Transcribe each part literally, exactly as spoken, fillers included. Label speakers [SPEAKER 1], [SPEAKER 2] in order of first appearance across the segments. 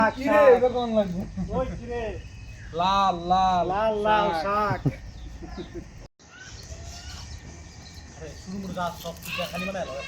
[SPEAKER 1] কি রে এটা কোন লাগবে ওই কি রে লাল লাল লাল লাল শাক আরে শুরু করে যা সব কিছু খালি বানায় লো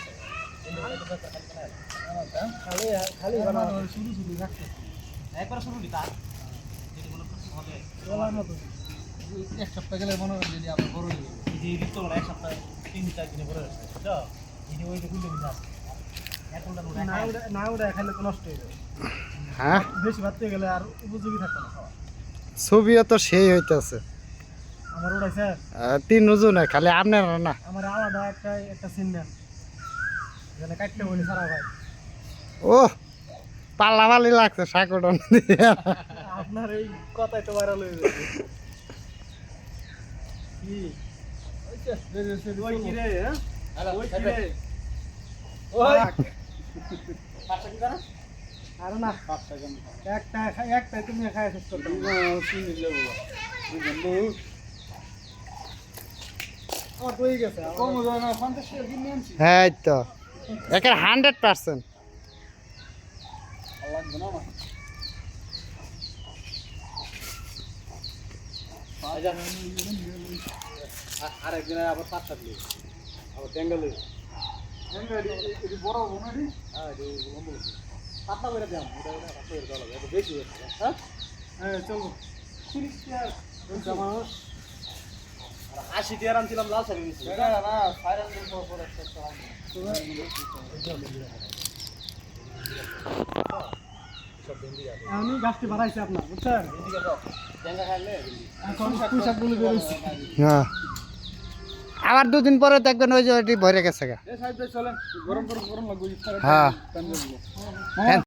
[SPEAKER 1] খালি খালি বানানো শুরু শুরু রাখতে একবার শুরু দিতা যদি মনে করতে হবে বলার মতো এক সপ্তাহ গেলে মনে হয় যদি আবার বড় হয়ে এই যে ঋতু এক সপ্তাহ তিন চার দিনে বড় হচ্ছে বুঝছো এই যে ওই যে গুলো মিশা এখনটা না ওটা না ওটা খাইলে তো নষ্ট হয়ে যাবে
[SPEAKER 2] হ্যাঁ
[SPEAKER 1] বেশি ভাততে গেলে আর উপযোগী থাকবে না খাওয়া
[SPEAKER 2] ছবিও তো সেই হইতেছে
[SPEAKER 1] আমার উড়াইছে
[SPEAKER 2] তিন উজু নাই খালি আপনার না
[SPEAKER 1] আমার আলাদা একটা একটা সিন দেন যেখানে কাটতে বলি সারা ভাই
[SPEAKER 2] ও পাল্লা পাল্লি লাগছে শাকটন
[SPEAKER 1] আপনার এই কথাই তো ভাইরাল হয়ে যাবে কি ওই কি রে হ্যাঁ ওই কি রে ওই পাঁচটা কি করা আর না পাঁচটা কেন একটা একটা তুমি খায় শেষ করতে না শুনি লেবু বন্ধু আমার হয়ে গেছে কম যায় না পঞ্চাশ টাকা কিনে আনছি
[SPEAKER 2] হ্যাঁ তো একের হান্ড্রেড পার্সেন্ট
[SPEAKER 1] লাগবে না আমার আর একদিন আবার পাঁচ সাত লিখ আবার ট্যাঙ্গেল এটি বড় বোনারি হ্যাঁ এটি পাতলা করে দাম এটা এটা পাতলা করে দেওয়া লাগবে বেশি হচ্ছে হ্যাঁ হ্যাঁ চলো তিরিশ টাকা মানুষ আশি টাকা আনছিলাম লাল শাড়ি নিচ্ছি না না ফাইনাল পর একটা আমি গাছটি বাড়াইছি আপনার বুঝছেন এখন পুঁইশাকগুলো বেরোচ্ছে
[SPEAKER 2] হ্যাঁ আবার দুদিন পরে দেখবেন ওই যে ওইটি ভরে গেছে গা
[SPEAKER 1] চলেন গরম গরম গরম লাগবে
[SPEAKER 2] হ্যাঁ